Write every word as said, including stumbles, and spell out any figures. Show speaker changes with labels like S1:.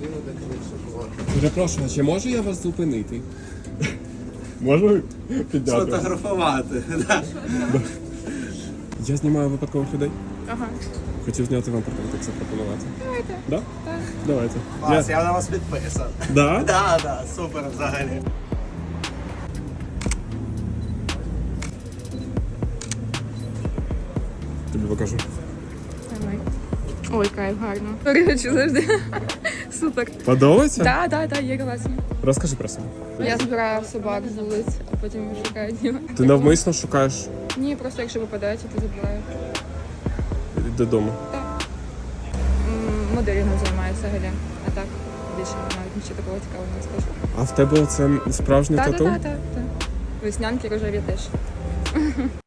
S1: магазину, де купити шоколад.
S2: Перепрошую, чи можу я вас зупинити? Можу підняти?
S1: Сфотографувати.
S2: Я знімаю випадкових людей.
S3: Ага.
S2: Хотів зняти вам портретик запропонувати.
S3: Давайте.
S2: Да?
S3: Так.
S2: Давайте.
S1: Клас, я на вас підписан.
S2: Да?
S1: Да, да, супер взагалі.
S2: Тобі покажу.
S3: Давай. Ой, кайф, гарно. Речі завжди. Супер.
S2: Подобається?
S3: Так, так, так, є класно.
S2: Розкажи про себе.
S3: Я збираю собак з вулиць, а потім шукаю діла.
S2: Ти навмисно шукаєш
S3: Ні, просто якщо випадається, то забираю.
S2: додому.
S3: М, Моделінгом займаюся взагалі. А так, більше навіть нічого такого цікавого не скажу.
S2: А в тебе це справжнє
S3: Так,
S2: тату?
S3: так, так, так. Веснянки рожеві теж.